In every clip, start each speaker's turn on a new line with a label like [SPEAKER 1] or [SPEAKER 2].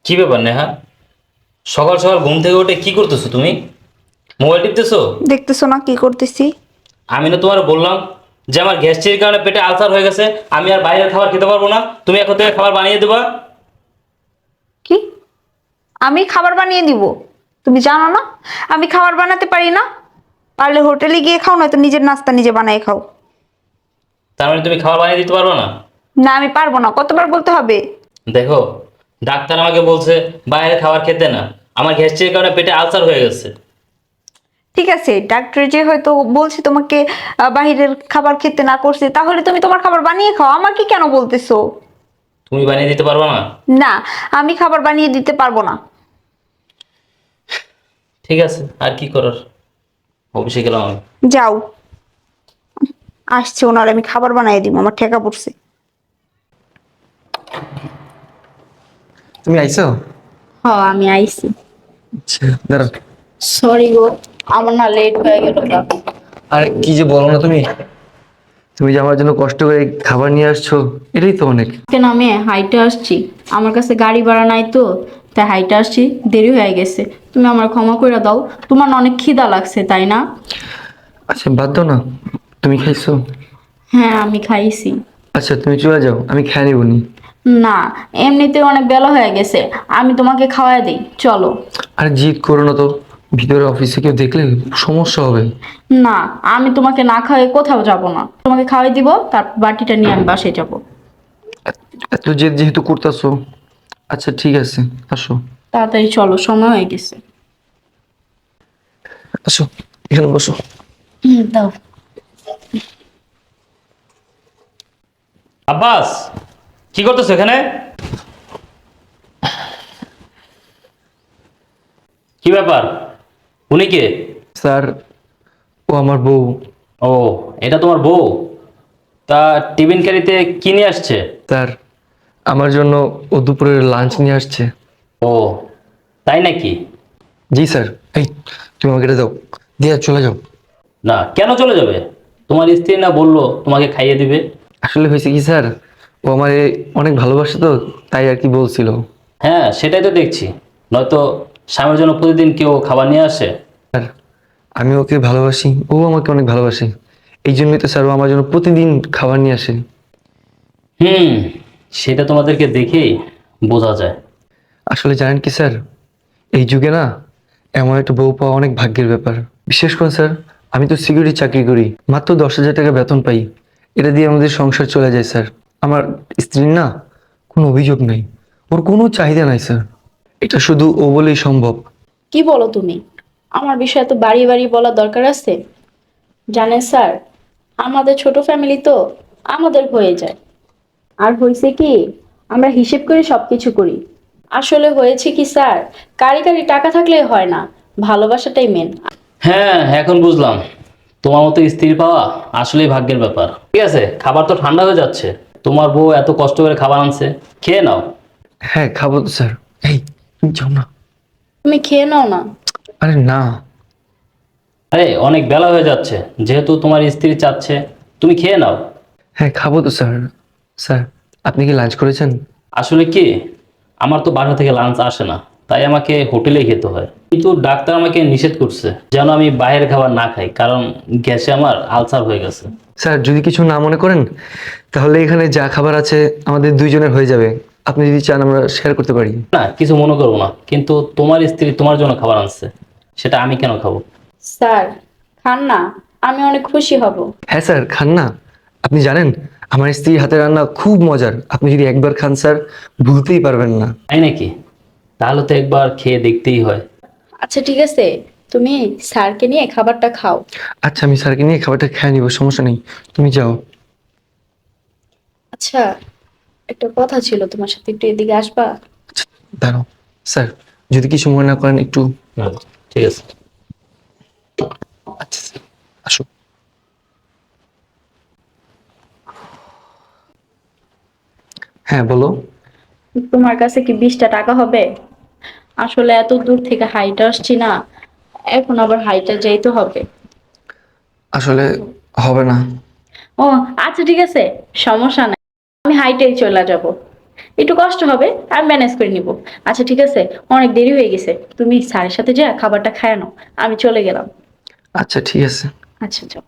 [SPEAKER 1] কি ব্যাপার নেহা? সকাল সকাল ঘুম থেকে উঠে কি করতেছো তুমি? মোবাইল টিপতেছো?
[SPEAKER 2] দেখতেছো না কি করতেছি?
[SPEAKER 1] আমি না তোমার বললাম যে আমার গ্যাস্ট্রিকের কারণে পেটে আলসার হয়ে গেছে, আমি আর বাইরের খাবার খেতে পারবো না, তুমি এখন থেকে খাবার বানিয়ে দেবা।
[SPEAKER 2] কি? আমি খাবার বানিয়ে দিব? তুমি জানো না আমি খাবার বানাতে পারি না? পারলে হোটেলে গিয়ে খাও, নয়তো নিজের নাস্তা নিজে বানাই খাও।
[SPEAKER 1] তার মানে তুমি খাবার বানিয়ে দিতে পারবে না?
[SPEAKER 2] না, আমি পারবো না। কতবার বলতে হবে?
[SPEAKER 1] দেখো, ডাক্তার আমাকে বলছে বাইরের খাবার খেতে না, আমার গ্যাস্ট্রিকের কারণে পেটে আলসার হয়ে গেছে।
[SPEAKER 2] ঠিক আছে, ডাক্তার যে হয়তো বলছে তোমাকে বাইরের খাবার খেতে না করছে, তাহলে তুমি তোমার খাবার বানিয়ে খাও। আমাকে কেন বলতেছো?
[SPEAKER 1] তুমি বানিয়ে দিতে পারবে না?
[SPEAKER 2] না, আমি খাবার বানিয়ে দিতে পারবো না।
[SPEAKER 1] ঠিক আছে, আর কি করার, অফিসে গেলাম আমি।
[SPEAKER 2] যাও। আসছে ওনার, আমি খাবার বানিয়ে দিব, আমার ঠেকা পড়ছে।
[SPEAKER 3] তুমি আইছো?
[SPEAKER 2] হ্যাঁ, আমি আইছি।
[SPEAKER 3] আচ্ছা, দাঁড়াও।
[SPEAKER 2] সরি গো, আমার না লেট হয়ে গেল।
[SPEAKER 3] আর কি যে বলো না তুমি, তুমি যে আমার জন্য কষ্ট করে এই খাবার নিয়ে আসছো, এটাই তো অনেক।
[SPEAKER 4] কেন আমি হাইটে আসছি, আমার কাছে গাড়ি ভাড়া নাই তো, তাই হাইটে আসছি, দেরি হয়ে গেছে। তুমি আমার ক্ষমা করে দাও, তোমার না অনেক খিদা লাগছে তাই না?
[SPEAKER 3] আচ্ছা বাদ দাও না, তুমি খাইছো?
[SPEAKER 4] হ্যাঁ, আমি খাইছি।
[SPEAKER 3] আচ্ছা তুমি চলে যাও, আমি খেয়ে নিব নি।
[SPEAKER 4] না, এমনিতে অনেক বেলা হয়ে গেছে, আমি তোমাকে খাওয়াই দিই, চলো।
[SPEAKER 3] আর জিদ করো না তো, ভিতরে অফিসে কেউ দেখলে সমস্যা হবে।
[SPEAKER 4] না, আমি তোমাকে না খাওয়াই কোথাও যাব না, তোমাকে খাওয়াই দিব, তার বাটিটা নিয়ে আমি বাসায় যাব।
[SPEAKER 3] এত জেদ যেহেতু করতেছো, আচ্ছা ঠিক আছে, আসো।
[SPEAKER 4] তাড়াতাড়ি চলো, সময় হয়ে গেছে।
[SPEAKER 3] আসো, এখানে বসো।
[SPEAKER 4] দাও।
[SPEAKER 1] আব্বাস, কি করতেছো এখানে? কি ব্যাপার? উনি কে?
[SPEAKER 3] স্যার, ও আমার বউ।
[SPEAKER 1] ও, এটা তোমার বউ? তা টিফিন ক্যারিতে কি নিয়ে আসছে?
[SPEAKER 3] স্যার, আমার জন্য ও দুপুরের লাঞ্চ নিয়ে আসছে।
[SPEAKER 1] ও, তাই নাকি?
[SPEAKER 3] জি স্যার। এই, তুমি আমাকে এটা দাও, দিয়ে চলে যাও।
[SPEAKER 1] না, কেন চলে যাবে? তোমার স্ত্রী না বললো তোমাকে খাইয়ে দিবে?
[SPEAKER 3] আসলে হয়েছে কি স্যার, ও আমারে অনেক ভালোবাসে তো, তাই আর কি বলছিল।
[SPEAKER 1] হ্যাঁ, সেটাই তো দেখছি। নয়তো স্বামীর জন্য প্রতিদিন কেউ খাবার নিয়ে আসে?
[SPEAKER 3] স্যার, আমি ওকে ভালোবাসি, ও আমাকে অনেক ভালোবাসে, এই জন্যই তো স্যার ও আমার জন্য প্রতিদিন খাবার নিয়ে আসে।
[SPEAKER 1] হুম, সেটা তোমাদেরকে দেখেই বোঝা যায়।
[SPEAKER 3] আসলে জানেন কি স্যার, এই যুগে না এমন একটা বউ পাওয়া অনেক ভাগ্যের ব্যাপার। বিশেষ করে স্যার, আমি তো সিকিউরিটি চাকরি করি, মাত্র 10,000 টাকা বেতন পাই, এটা দিয়ে আমাদের সংসার চলে যায় স্যার। আমার স্ত্রীর না কোনো অভিযোগ নেই, ওর কোনো চাহিদা নাই স্যার, এটা শুধু ও বলেই সম্ভব।
[SPEAKER 4] কি বলো তুমি? আমার বিষয়ে তো বাড়ি বাড়ি বলার দরকার আছে? জানেন স্যার, আমাদের ছোট ফ্যামিলি তো, আমাদের হয়ে যায়। আর হয়েছে কি, আমরা হিসেব করে সবকিছু করি। আসলে হয়েছে কি স্যার, কারি কারি টাকা থাকলেই হয় না, ভালোবাসাটাই মেন।
[SPEAKER 1] হ্যাঁ, এখন বুঝলাম। তোমার মতো স্ত্রী পাওয়া আসলেই ভাগ্যের ব্যাপার। ঠিক আছে, খাবার তো ঠান্ডা হয়ে যাচ্ছে। তোমার বউ এত কষ্ট করে খাবার আনছে, খেয়ে নাও।
[SPEAKER 3] হ্যাঁ খাবো তো স্যার। এই, তুমি যাও না।
[SPEAKER 4] তুমি খেয়ে নাও না।
[SPEAKER 3] আরে না।
[SPEAKER 1] আরে, অনেক বেলা হয়ে যাচ্ছে, যেহেতু তোমার স্ত্রী চাচ্ছে, তুমি খেয়ে নাও।
[SPEAKER 3] হ্যাঁ খাবো তো স্যার। স্যার, আপনি কি লাঞ্চ করেছেন?
[SPEAKER 1] আসলে কি, আমার তো বাসা থেকে লাঞ্চ আসে না, তাই আমাকে হোটেলেই খেতে হয়। কিন্তু ডাক্তার আমাকে নিষেধ করছে যেন আমি বাইরের খাবার না খাই, কারণ গ্যাসে আমার আলসার হয়ে গেছে।
[SPEAKER 3] স্যার যদি কিছু না মনে করেন, তাহলে এখানে যা খাবার আছে আমাদের দুইজনের হয়ে যাবে, আপনি যদি চান আমরা শেয়ার করতে পারি।
[SPEAKER 1] না, কিছু মনে করবো না, কিন্তু তোমার স্ত্রী তোমার জন্য খাবার আনছে, সেটা আমি কেন খাবো?
[SPEAKER 4] স্যার, খান না, আমি অনেক খুশি হব।
[SPEAKER 3] হ্যাঁ স্যার, খান না। আপনি জানেন আমার স্ত্রীর হাতের রান্না খুব মজার, আপনি যদি একবার খান স্যার, ভুলতেই পারবেন না।
[SPEAKER 1] তাই নাকি? তাহলে তো একবার খেয়ে দেখতেই হয়।
[SPEAKER 4] আচ্ছা ঠিক আছে, তুমি স্যারকে নিয়ে খাবারটা খাও।
[SPEAKER 3] আচ্ছা আমি স্যারকে নিয়ে খাবারটা খেয়ে নিব, সমস্যা নেই, তুমি যাও।
[SPEAKER 4] আচ্ছা, একটা কথা ছিল তোমার সাথে, একটু এদিকে আসবা?
[SPEAKER 3] আচ্ছা, দাঁড়াও। স্যার, যদি কিছু মনে না করেন একটু।
[SPEAKER 1] হুম, ঠিক আছে।
[SPEAKER 3] আচ্ছা স্যার, আসো। হ্যাঁ বলো।
[SPEAKER 4] তোমার কাছে কি 20টা টাকা হবে? আসলে এত দূর থেকে হাইটে আসছি না, এখন আবার হাইটে যাইতে হবে।
[SPEAKER 3] আসলে হবে না।
[SPEAKER 4] ও, আচ্ছা ঠিক আছে, সমস্যা নাই, আমি হাইটেই চলে যাব। একটু কষ্ট হবে, আমি ম্যানেজ করে নিব। আচ্ছা ঠিক আছে, অনেক দেরি হয়ে গেছে, তুমি স্যারের সাথে যা খাবারটা খায় নাও, আমি চলে গেলাম।
[SPEAKER 3] আচ্ছা ঠিক আছে।
[SPEAKER 4] আচ্ছা যাও।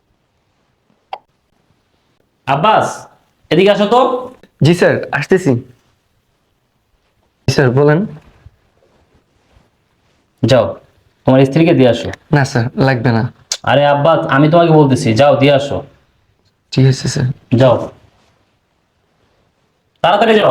[SPEAKER 1] আব্বাস, এদিকে আসো তো।
[SPEAKER 3] জি স্যার, আসতেছি। জি স্যার বলেন।
[SPEAKER 1] যাও, তোমার স্ত্রীকে দিয়ে আসো।
[SPEAKER 3] না স্যার, লাগবে না।
[SPEAKER 1] আরে আব্বাস, আমি তোমাকে বলতেছি, যাও দিয়ে আসো।
[SPEAKER 3] ঠিক আছে স্যার।
[SPEAKER 1] যাও, তাড়াতাড়ি যাও।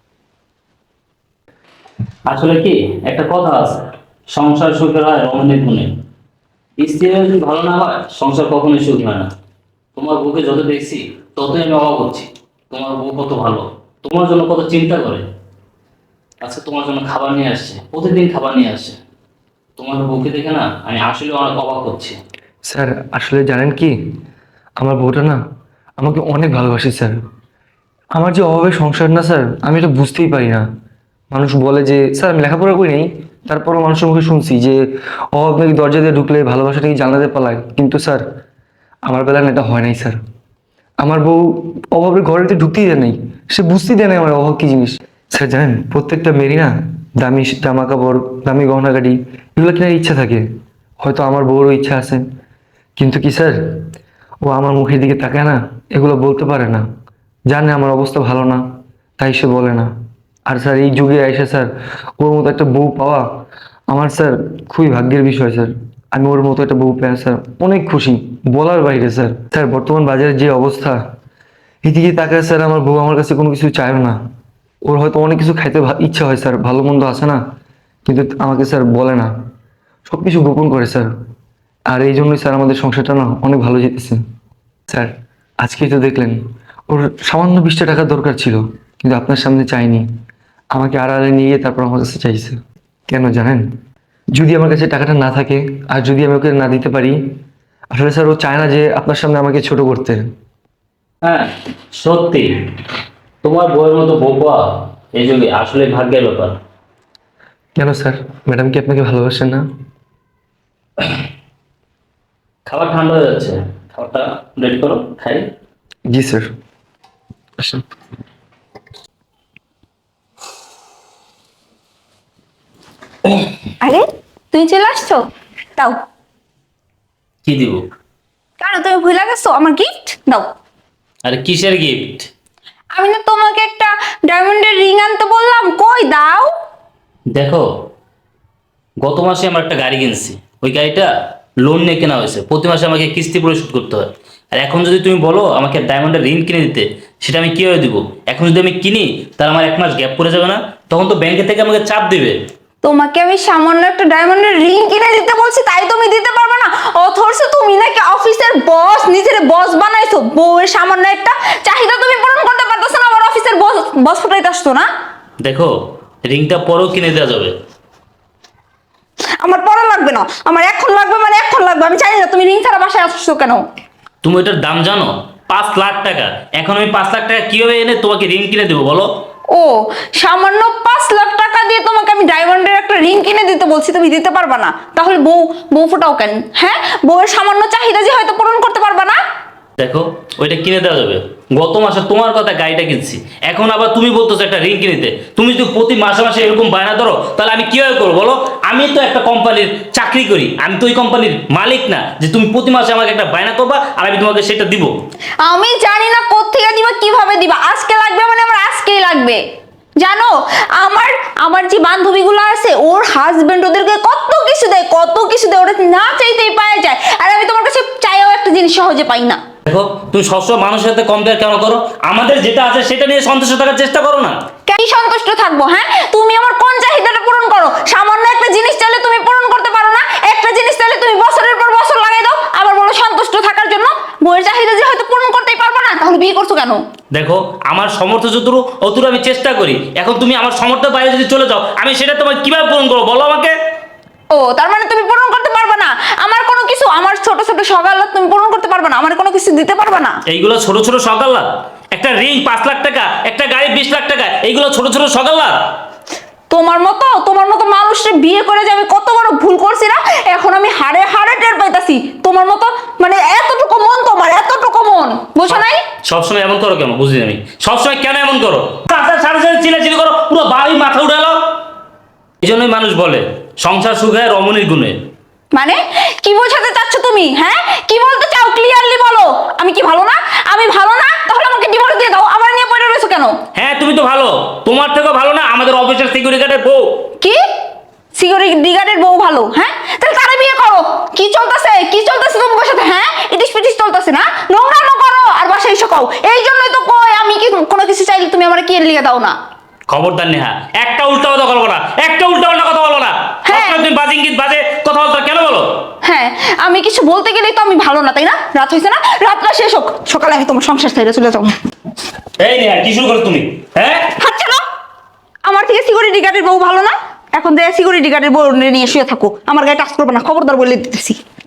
[SPEAKER 1] আসলে কি, একটা কথা আছে, সংসার সুখের হয় রমণীর গুণে। স্ত্রী যদি ভালো না হয়, সংসার কখনোই সুখ হয় না। তোমার বউকে যত দেখছি, ততই আমি অবাক হচ্ছি। তোমার বউ কত ভালো, তোমার জন্য কত চিন্তা করে। আজকে তোমার জন্য খাবার নিয়ে আসছে, প্রতিদিন খাবার নিয়ে আসছে। তোমার বউকে দেখে না, আমি আসলে অনেক অবাক হচ্ছি।
[SPEAKER 3] স্যার আসলে জানেন কি, আমার বউটা না আমাকে অনেক ভালোবাসে স্যার। আমার যে অভাবের সংসার না স্যার, আমি এটা বুঝতেই পারি না। মানুষ বলে যে স্যার আমি লেখাপড়া করি নাই, তারপরও মানুষের মুখে শুনছি যে অভাব নাকি দরজা দিয়ে ঢুকলে ভালোবাসা নাকি জানলা দিয়ে পালায়। কিন্তু স্যার আমার বেলায় না এটা হয় নাই স্যার। আমার বউ অভাবের ঘরেতে ঢুকতেই দেয় নাই, সে বুঝতেই দেয় নাই আমার অভাব কি জিনিস। স্যার জানেন, প্রত্যেকটা মেয়েরই না দামি জামা কাপড়, দামি গহনা গাড়ি এগুলো কেনার ইচ্ছা থাকে। হয়তো আমার বউরও ইচ্ছা আছে, কিন্তু কি স্যার, ও আমার মুখের দিকে তাকায় না, এগুলো বলতে পারে না। জানে আমার অবস্থা ভালো না, তাই সে বলে না। আর স্যার এই যুগে এসে স্যার ওর মতো একটা বউ পাওয়া আমার স্যার খুবই ভাগ্যের বিষয় স্যার। আমি ওর মতো একটা বউ পেয়ে স্যার অনেক খুশি, বলার বাইরে স্যার। স্যার বর্তমান বাজারের যে অবস্থা, এদিকে তাকায় স্যার আমার বউ আমার কাছে কোনো কিছু চায়ও না। ওর হয়তো অনেক কিছু খাইতে ইচ্ছা হয় স্যার, ভালো মন্দ আছে না, কিন্তু আমাকে স্যার বলে না, সব কিছু গোপন করে স্যার। আর এই জন্যই স্যার আমাদের সংসারটা না অনেক ভালো যেতেছে স্যার। আজকেই তো দেখলেন, ওর সামান্য 20টা টাকা দরকার ছিল, কিন্তু আপনার সামনে চাইনি, আমাকে আড়ালে নিয়ে গিয়ে তারপর আমার কাছে চাইছে। কেন জানেন? যদি আমার কাছে টাকাটা না থাকে আর যদি আমি ওকে না দিতে পারি, আসলে স্যার ও চায় না যে আপনার সামনে আমাকে ছোট করতে।
[SPEAKER 1] হ্যাঁ, সত্যি, তোমার বউয়ের মতো বউ পাওয়া এই যুগে আসলে ভাগ্যের ব্যাপার।
[SPEAKER 3] কেন স্যার, ম্যাডাম কি আপনাকে ভালোবাসেন না?
[SPEAKER 1] খাবার ঠান্ডা হয়ে যাচ্ছে, খাবারটা রেডি করো, খাই।
[SPEAKER 3] জি স্যার, আসেন।
[SPEAKER 2] আরে তুমি চলে আসছো, দাও।
[SPEAKER 1] কি দিব?
[SPEAKER 2] কেন তুমি ভুলে গেছো আমার গিফট? দাও।
[SPEAKER 1] আরে কিসের গিফট?
[SPEAKER 2] আমি না তোমাকে একটা ডায়মন্ডের রিং আনতে বললাম, কই দাও।
[SPEAKER 1] দেখো, গত মাসে আমরা একটা গাড়ি কিনছি, ওই গাড়িটা লোন নিয়ে কেনা হয়েছে, প্রতি মাসে আমাকে কিস্তি পরিশোধ করতে হয়। আর এখন যদি তুমি বলো আমাকে ডায়মন্ডের রিং কিনে দিতে, সেটা আমি কিভাবে দিব? এখন যদি আমি কিনি, তাহলে আমার 1 মাস গ্যাপ পড়ে যাবে না? তখন তো ব্যাংকে থেকে আমাকে চাপ দিবে।
[SPEAKER 2] তোমাকে আমি সামান্য একটা ডায়মন্ডের রিং কিনে দিতে বলছি, তাই তুমি দিতে পারবে না? অথচ তুমি নাকি অফিসের বস, নিজের বস বানাইছো, বউয়ের সামান্য একটা চাহিদা তুমি পূরণ করতে পারতেছো না, আমার অফিসের বস বস ফুটাইতে আসছো না?
[SPEAKER 1] দেখো, রিংটা পরেও কিনে দেওয়া যাবে।
[SPEAKER 2] আমার পড়া লাগবে না, আমার এখন লাগবে, মানে এখন লাগবে। আমি চাই না তুমি রিং ছাড়া বাসায় আসছো কেন?
[SPEAKER 1] তুমি ওটার দাম জানো? 5 লাখ টাকা। এখন আমি 5 লাখ টাকা কিভাবে এনে তোমাকে রিং কিনে দেবো বলো?
[SPEAKER 2] ও, সামান্য 5 লাখ টাকা দিয়ে তোমাকে আমি ডায়মন্ডের একটা রিং কিনে দিতে বলছি, তুমি দিতে পারবা না? তাহলে বউ বউ ফোটাও কেন? হ্যাঁ, বউয়ের সামান্য চাহিদা যে হয়তো পূরণ করতে পারবা না।
[SPEAKER 1] দেখো, ওইটা কিনে দেওয়া যাবে। গত মাসে তোমার কথা গাড়িটা কিনছি, এখন আবার তুমি বলতেছো একটা রিং কিনে দিতে। তুমি যদি প্রতি মাসে মাসে এরকম বায়না ধরো, তাহলে আমি কিভাবে করবো বলো? আমি তো একটা কোম্পানির চাকরি করি, আমি তো ওই কোম্পানির মালিক না যে তুমি প্রতি মাসে আমাকে একটা বায়না করবা আর আমি তোমাকে সেটা দিব।
[SPEAKER 2] আমি জানি না কোত্থেকে দিবা, কিভাবে দিবা। আজকে লাগবে মানে আমার আজকেই লাগবে। জানো, আমার আমার যে বান্ধবীগুলো আছে, ওর হাজবেন্ড ওদেরকে কত কিছু দেয়, কত কিছু দেয়, ওরা না চাইতেই পাওয়া যায়। আর আমি তোমার কাছে চাইও একটা জিনিস সহজে পাই না।
[SPEAKER 1] দেখো, তুমি সবসময় মানুষের সাথে কম্পেয়ার কেন করো? আমাদের যেটা আছে সেটা নিয়ে সন্তুষ্ট থাকার চেষ্টা করো না।
[SPEAKER 2] কি সন্তুষ্ট থাকবো? হ্যাঁ, তুমি আমার কোন চাহিদাটা পূরণ করো? সামান্য একটা জিনিস চাইলে তুমি পূরণ করতে পারো না, একটা জিনিস চাইলে তুমি বছরের পর বছর লাগাই দাও, আবার বলো সন্তুষ্ট থাকার জন্য। বউয়ের চাহিদা যে হয়তো পূরণ করতেই পারবো না, তাহলে বিয়ে করছো কেন?
[SPEAKER 1] দেখো, আমার সামর্থ্য যতটুকু অতটুকু আমি চেষ্টা করি। এখন তুমি আমার সামর্থ্যের বাইরে যদি চলে যাও, আমি সেটা তোমাকে কিভাবে পূরণ করবো বলো আমাকে?
[SPEAKER 2] ও, তার মানে তুমি পূরণ করতে পারবে না আমার কোনো কিছু, আমার ছোট ছোট সকাল তুমি পূরণ করতে পারবে না, আমার কোনো কিছু দিতে পারবে না।
[SPEAKER 1] এইগুলো ছোট ছোট সকাল্লা? একটা রিং 5 লাখ টাকা, একটা গাড়ি 20 লাখ টাকা, এইগুলো ছোট ছোট সকাল্লা?
[SPEAKER 2] তোমার মতো মানুষকে বিয়ে করে যে আমি কত বড় ভুল করছি না, এখন আমি হাড়ে হাড়ে টের পাইতাছি। তোমার মতো মানে এতটুকু মন, তোমার এতটুকু মন, বুঝো নাই?
[SPEAKER 1] সবসময় এমন করো কেন বুঝি আমি? সবসময় কেন এমন করো? সাড়ে সাড়ে পুরো বাড়ি মাথা উঠে এলো। এই জন্যই মানুষ বলে সংসার সুখ হয় রমণীর গুণে।
[SPEAKER 2] মানে কি বোঝাতে চাচ্ছ তুমি? হ্যাঁ, কি বলতে চাও ক্লিয়ারলি বলো। আমি কি ভালো না? আমি ভালো না, তাহলে আমাকে ডিভোর্স দিয়ে দাও। আমার নিয়ে পড়ে রয়েছো কেন?
[SPEAKER 1] হ্যাঁ তুমি তো ভালো, তোমার থেকেও ভালো না আমাদের অফিসের সিকিউরিটি গার্ডের বউ।
[SPEAKER 2] কি সিকিউরিটি গার্ডের বউ ভালো? হ্যাঁ, তাহলে তারে বিয়ে করো। কি চলতেছে, কি চলতেছে তোমার সাথে? হ্যাঁ, ইটিস পিটিস চলতেছে না? নোংরামো করো আর বাসায় এসে কও। এই জন্যই তো কই আমি কি কোনো কিছু চাইলে তুমি আমার কি লিয়ে দাও না।
[SPEAKER 1] খবরদার নেহা, একটা উল্টা কথা বলবো না, একটা উল্টা পাল্টা কথা বলবো না।
[SPEAKER 2] হ্যাঁ।
[SPEAKER 1] তুমি বাজে ইঙ্গিত বাজে কথা বলতে কেন বলো?
[SPEAKER 2] হ্যাঁ, আমি কিছু বলতে গেলেই তো আমি ভালো না, তাই না? রাত হয়েছে না, রাতটা শেষ হোক, সকালে আমি তোমার সংসার ছেড়ে চলে যাবো।
[SPEAKER 1] এই নেহা, কি শুরু করো তুমি? হ্যাঁ,
[SPEAKER 2] আচ্ছা না, আমার থেকে সিকিউরিটি গার্ডের বউ ভালো না? এখন যে সিকিউরিটি গার্ডের বউ নিয়ে শুয়ে থাকো, আমার গায়ে টাচ করবে না, খবরদার বলে দিতেছি।